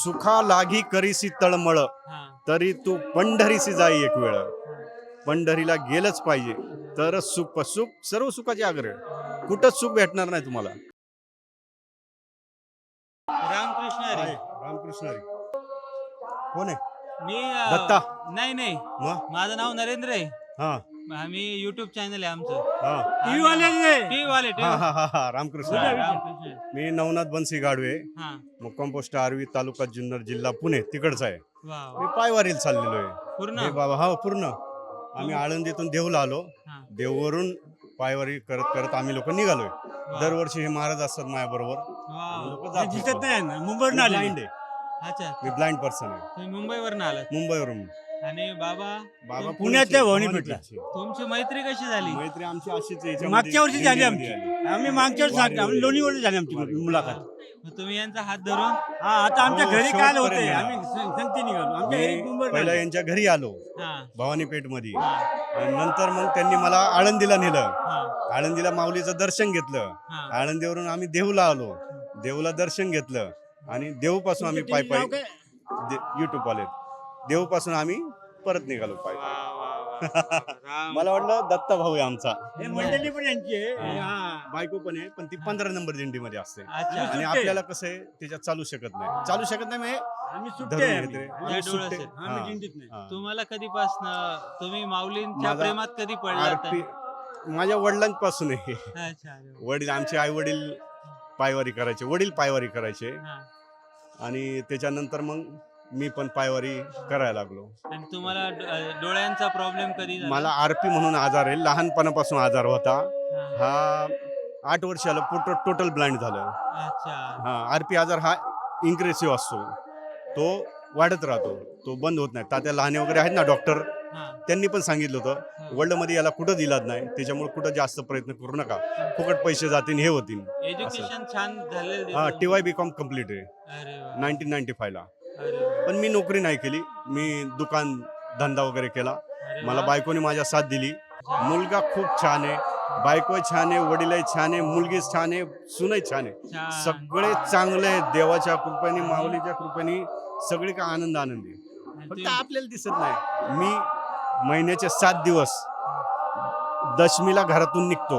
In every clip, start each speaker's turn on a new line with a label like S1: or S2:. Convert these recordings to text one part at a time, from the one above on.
S1: सुखा लागी करीसी तळमळ, तरी तू पंढरीसी जाई एक वेळ. पंढरीला गेलंच पाहिजे तर सुख सर्व सुखाचे आग्रह. कुठंच सुख भेटणार नाही तुम्हाला.
S2: रामकृष्ण हरी.
S1: रामकृष्ण हरी. कोण आहे?
S2: मी
S1: दत्ता.
S2: नाही
S1: मग
S2: माझं नाव नरेंद्र आहे.
S1: हा
S2: आम्ही युट्यूब चॅनल आहे आमचं.
S1: हा
S2: टीव्ही वाले
S1: हा हा हा हा रामकृष्ण हरी.
S2: रामकृष्ण.
S1: मी नवनाथ बनसी गाडवे,
S2: हा
S1: मुक्काम पोस्ट आर्वी, तालुका जुन्नर, जिल्हा पुणे तिकडचा आहे.
S2: वाव.
S1: मी पायवारीला चाललेलो आहे.
S2: पूर्ण
S1: हे बाबा हा पूर्ण आम्ही आळंदीतून देहूला आलो.
S2: हा.
S1: देववरून पायवारी करत करत आम्ही लोक निघालोय. दरवर्षी हे महाराज असतात माझ्या बरोबर.
S2: वाव.
S3: दिसत नाही ना, मुंबईवरून आले.
S1: ब्लाइंड आहे.
S2: अच्छा,
S1: मी ब्लाइंड पर्सन आहे.
S2: तुम्ही मुंबईवरून आलात
S1: मुंबईवरून.
S2: आणि बाबा
S1: बाबा
S3: पुण्यातल्या
S1: पुण्याचे,
S3: भवानीपेठला.
S1: भवानीपेठचे.
S2: तुमची मैत्री कशी झाली?
S1: मैत्री आमची अशीच आहे. याच्यामध्ये
S3: मागच्या वर्षी झाली
S1: दिंडीमध्ये
S3: आमची. आम्ही मागच्या वर्षी
S1: वारीवर
S3: आम्ही लोणीवर झाली आमची मुलाखत.
S2: मग तुम्ही यांचा हात धरून
S3: हा, आता आमच्या
S1: हो,
S3: घरी काल होते.
S1: शेवटपर्यंत.
S3: आम्ही संगती निघालो. आमच्या घरी
S1: मी
S3: मुंबईवर
S1: पहिला
S3: आले.
S1: यांच्या घरी आलो
S2: हा
S1: भवानीपेठ मध्ये.
S2: हा
S1: आणि नंतर मग त्यांनी मला आळंदीला नेलं.
S2: हा
S1: आळंदीला माऊलीचं दर्शन घेतलं.
S2: हा.
S1: आळंदीवरून आम्ही देहूला आलो. देहूला दर्शन घेतलं आणि देहूपासून आम्ही पायी
S3: नाव
S1: पायी
S3: काय?
S1: युट्यूब आले. देहूपासून आम्ही परत निघालो पायी.
S2: वा, वा, वा. राम.
S1: मला वाटलं दत्ता भाऊ आहे आमचा.
S3: हे मंडळी पण यांची आहे.
S2: हा.
S3: हा.
S1: बायको पण आहे, पण ती 15 नंबर दिंडीमध्ये असते.
S2: अच्छा.
S1: आणि आपल्याला कसं आहे त्याच्यात चालू शकत नाही. चालू शकत नाही म्हणजे
S3: आम्ही सुट्टे
S1: धरून
S3: आहे
S1: घेते.
S3: आम्ही.
S1: आम्ही
S2: या
S1: सुट्टे.
S2: डोळ्याचे.
S3: आम्ही
S1: हा.
S3: दिंडीत नाही.
S1: हा.
S2: तुम्हाला कधीपासनं तुम्ही माऊलींच्या
S1: माझा
S2: प्रेमात कधी पडलात?
S1: माझ्या वडिलांपासून आहे.
S2: अच्छा, अरे वा.
S1: वडील आमचे आई वडील पायवारी करायचे. वडील पायवारी करायचे
S2: हा.
S1: आणि त्याच्यानंतर मग मी पण पायवारी करायला लागलो.
S2: आणि तुम्हाला डोळ्यांचा प्रॉब्लेम कधी झाला?
S1: मला आरपी म्हणून आजार आहे. लहानपणापासून आजार होता.
S2: हा.
S1: हा 8 वर्षाला टोटल ब्लाइंड झालं.
S2: अच्छा.
S1: हा आरपी आजार हा इन्क्रेसिव्ह असतो. तो वाढत राहतो, तो बंद होत नाही. तात्या लहाने वगैरे आहेत ना डॉक्टर,
S2: हा.
S1: त्यांनी पण सांगितलं होतं वर्ल्डमध्ये याला कुठंच इलाज नाही, त्याच्यामुळे कुठं जास्त प्रयत्न करू नका, फुकट पैसे जातील हे होतील.
S2: एज्युकेशन छान झालेलं
S1: हा
S2: दिसतं.
S1: TY.BCom कम्प्लीट आहे
S2: अरे वा.
S1: 1995 ला.
S2: अरे वा.
S1: पण मी नोकरी नाही केली. मी दुकान धंदा वगैरे केला.
S2: अरे
S1: मला
S2: वा.
S1: बायकोने माझ्या साथ दिली. मुलगा खूप छान आहे, बायको छान आहे, वडीलही छान आहे, मुलगी छान आहे, सूनही छान आहे.
S2: छान.
S1: सगळे चांगले आहेत. देवाच्या कृपेने, माऊलीच्या कृपेने सगळे का आनंद आहे.
S2: आणि
S1: फक्त
S2: तुम्ही-
S1: आपल्याला दिसत नाही. मी महिन्याचे 7 दिवस दशमीला घरातून निघतो.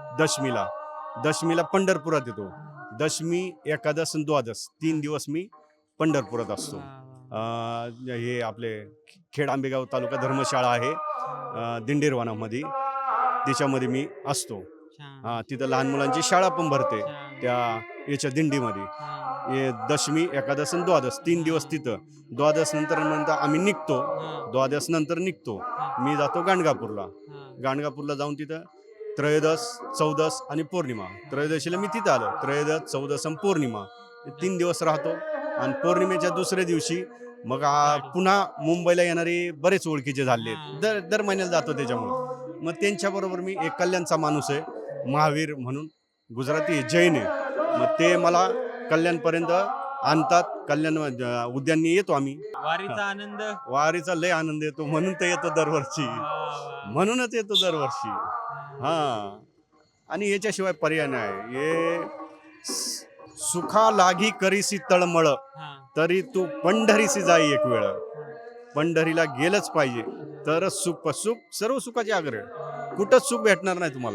S1: दशमीला पंढरपुरात येतो. दशमी, एकादश आणि द्वादश 3 दिवस मी पंढरपुरात असतो.
S2: वा, वा.
S1: हे आपले खेड आंबेगाव तालुका धर्मशाळा आहे दिंडीरवानामध्ये, त्याच्यामध्ये मी असतो.
S2: छान.
S1: तिथं लहान मुलांची शाळा पण भरते
S2: छान.
S1: त्या याच्या दिंडीमध्ये.
S2: हा.
S1: हे दशमी, एकादश आणि द्वादश 3 दिवस तिथं. द्वादश नंतर आम्ही निघतो.
S2: हा.
S1: द्वादश नंतर निघतो. मी जातो गाणगापूरला.
S2: हा.
S1: गाणगापूरला जाऊन तिथं त्रयोदश, चौदश आणि पौर्णिमा. त्रयोदशीला मी तिथं आलो. त्रयोदश, चौदश आणि पौर्णिमा 3 दिवस राहतो. आणि पौर्णिमेच्या दुसऱ्या दिवशी मग पुन्हा मुंबईला येणारे बरेच ओळखीचे झाले. दर महिन्याला जातो. त्याच्यामुळे मग त्यांच्याबरोबर मी एक कल्याणचा माणूस आहे, महावीर म्हणून, गुजराती जैन आहे. मग ते मला कल्याणपर्यंत आणतात. कल्याण उद्याननी येतो आम्ही.
S2: वारीचा आनंद.
S1: वारीचा लय आनंद येतो, म्हणून तर येतो दरवर्षी.
S2: वा, वा.
S1: म्हणूनच येतो दरवर्षी. हा. आणि याच्याशिवाय पर्याय नाही. हे सुखा लागी करीसी तळमळ,
S2: हा.
S1: तरी तू पंढरीसी जाई एक वेळ. पंढरीला गेलंच पाहिजे तर सर्व सुखाचे आग्रह. कुठंच सुख भेटणार नाही तुम्हाला.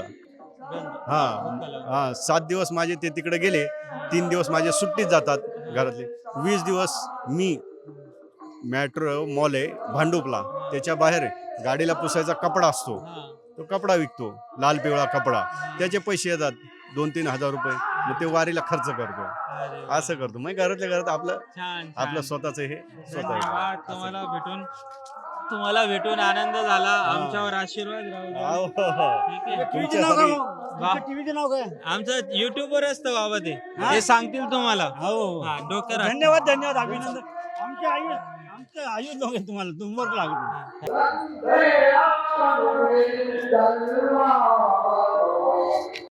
S1: हा 7 दिवस माझे ते तिकडे गेले. 3 दिवस माझे सुट्टीत जातात घरातले. 20 दिवस मी मेट्रो मॉल आहे भांडुपला, त्याच्या बाहेर गाडीला पुसायचा कपडा असतो,
S2: हा.
S1: तो कपडा विकतो, लाल पिवळा कपडा. त्याचे पैसे येतात 2-3 हजार रुपये. मग ते वारीला खर्च करतो.
S2: अरे वा.
S1: असं करतो. मग घरातल्या घरात आपलं
S2: छान
S1: आपलं
S2: छान.
S1: स्वतःच हे
S2: धन्यवाद. तुम्हाला भेटून आनंद झाला. आमच्यावर आशीर्वाद राहू द्या. ठीक आहे.
S3: टीव्हीचं नाव काय मग? तुमच्या टीव्हीचं नाव काय?
S2: आमचं युट्यूबवर असतं बाबा ते.
S3: हा?
S2: ते सांगतील तुम्हाला.
S3: हो.
S2: हा, डोक्यावर हात.
S3: धन्यवाद अभिनंदन. आमच्या आयुष लोक आहे तुम्हाला, तुमवर लागतो.
S2: हा.